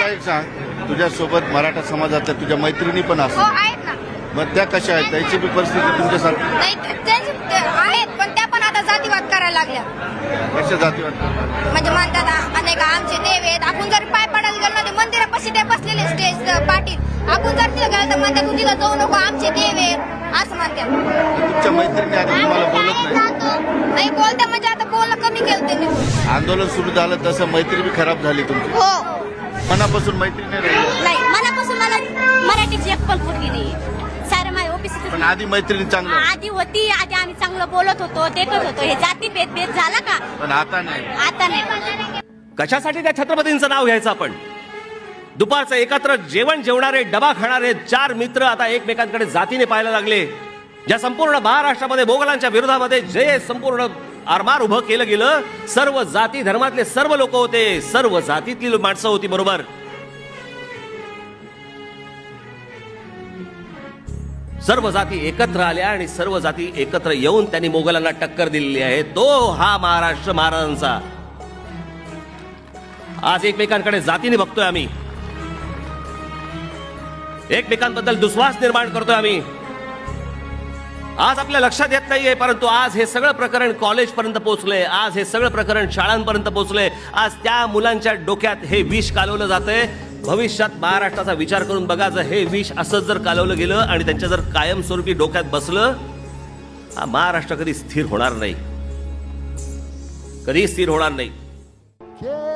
मला एक सांग, तुझ्यासोबत मराठा समाजातल्या तुझ्या मैत्रिणी पण हो असतात, आहेत ना. मग त्या कशा आहेत? त्यांची बी परिस्थिती तुमच्यासारखी नाही ते आहेत, पण त्या पण आता जातीवाद करायला लागल्या. कशा जातीवाद करतात? म्हणजे म्हणतात अनेक आमचे देव आहेत. आपण जर पाय पडायला गेलो ना ते मंदिरापाशी ते बसलेले स्टेज पाटील, आपण जर तिला गेलं तर म्हणतात तू तिला जाऊ नको, आमचे देव आहेत असं म्हणतात. तुमच्या मैत्रिणी आता तुम्हाला बोलत नाही? नाही बोलता म्हणजे आता बोलणं कमी केलं त्यांनी. आंदोलन सुरू झालं तसं मैत्री बी खराब झाली तुमची, हो मनापासून मैत्री नाही राहिली. नाही, मनापासून मला मराठीची एक पण फुटली नाही. सारं माझ्या ऑफिस पण आधी मैत्रिणी चांगलं, आधी होती, आधी आम्ही चांगलं बोलत होतो, देखत होतो. हे जाती भेद झाला का? पण आता नाही. आता नाही. कशासाठी त्या छत्रपतींचं नाव घ्यायचं आपण? दुपारचं एकत्र जेवण जेवणारे, डबा खाणारे चार मित्र आता एकमेकांकडे जातीने पाहायला लागले. ज्या संपूर्ण महाराष्ट्रामध्ये मोगलांच्या विरोधामध्ये जे संपूर्ण आरमार उभं केलं गेलं, सर्व जाती धर्मातले सर्व लोक होते, सर्व जातीतली माणसं होती. बरोबर, सर्व जाती एकत्र आल्या आणि सर्व जाती एकत्र येऊन त्यांनी मोगलांना टक्कर दिलेली आहे. तो हा महाराष्ट्र महाराजांचा. आज एकमेकांकडे जातीने बघतोय आम्ही, एकमेकांबद्दल दुस्वास निर्माण करतोय आम्ही. आज आपल्या लक्षात येत नाहीये, परंतु आज हे सगळं प्रकरण कॉलेज पर्यंत पोहोचलंय. आज हे सगळं प्रकरण शाळांपर्यंत पोहोचलंय. आज त्या मुलांच्या डोक्यात हे विष कालवलं जातंय. भविष्यात महाराष्ट्राचा विचार करून बघा, जर हे विष असंच जर कालवलं गेलं आणि त्यांच्या जर कायमस्वरूपी डोक्यात बसलं, हा महाराष्ट्र कधी स्थिर होणार नाही, कधी स्थिर होणार नाही.